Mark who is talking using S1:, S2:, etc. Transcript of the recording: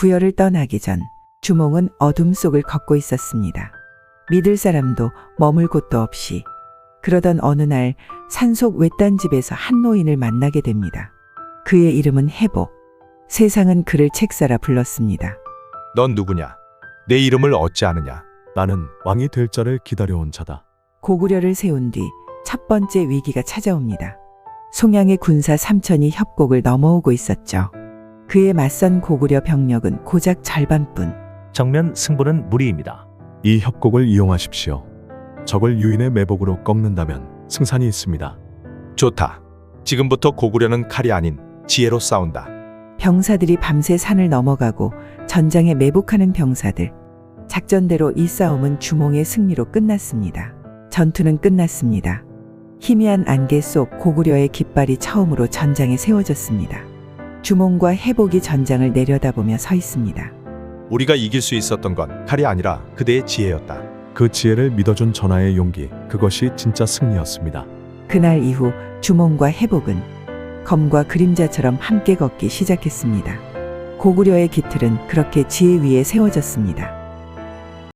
S1: 부여를 떠나기 전 주몽은 어둠 속을 걷고 있었습니다. 믿을 사람도 머물 곳도 없이. 그러던 어느 날 산속 외딴 집에서 한 노인을 만나게 됩니다. 그의 이름은 해복. 세상은 그를 책사라 불렀습니다.
S2: 넌 누구냐? 내 이름을 어찌 아느냐?
S3: 나는 왕이 될 자를 기다려온 자다.
S1: 고구려를 세운 뒤 첫 번째 위기가 찾아옵니다. 송양의 군사 3천이 협곡을 넘어오고 있었죠. 그에 맞선 고구려 병력은 고작 절반뿐.
S4: 정면 승부는 무리입니다.
S3: 이 협곡을 이용하십시오. 적을 유인의 매복으로 꺾는다면 승산이 있습니다.
S2: 좋다. 지금부터 고구려는 칼이 아닌 지혜로 싸운다.
S1: 병사들이 밤새 산을 넘어가고 전장에 매복하는 병사들. 작전대로 이 싸움은 주몽의 승리로 끝났습니다. 전투는 끝났습니다. 희미한 안개 속 고구려의 깃발이 처음으로 전장에 세워졌습니다. 주몽과 해복이 전장을 내려다보며 서 있습니다.
S2: 우리가 이길 수 있었던 건 칼이 아니라 그대의 지혜였다.
S3: 그 지혜를 믿어준 전하의 용기, 그것이 진짜 승리였습니다.
S1: 그날 이후 주몽과 해복은 검과 그림자처럼 함께 걷기 시작했습니다. 고구려의 깃틀은 그렇게 지혜 위에 세워졌습니다.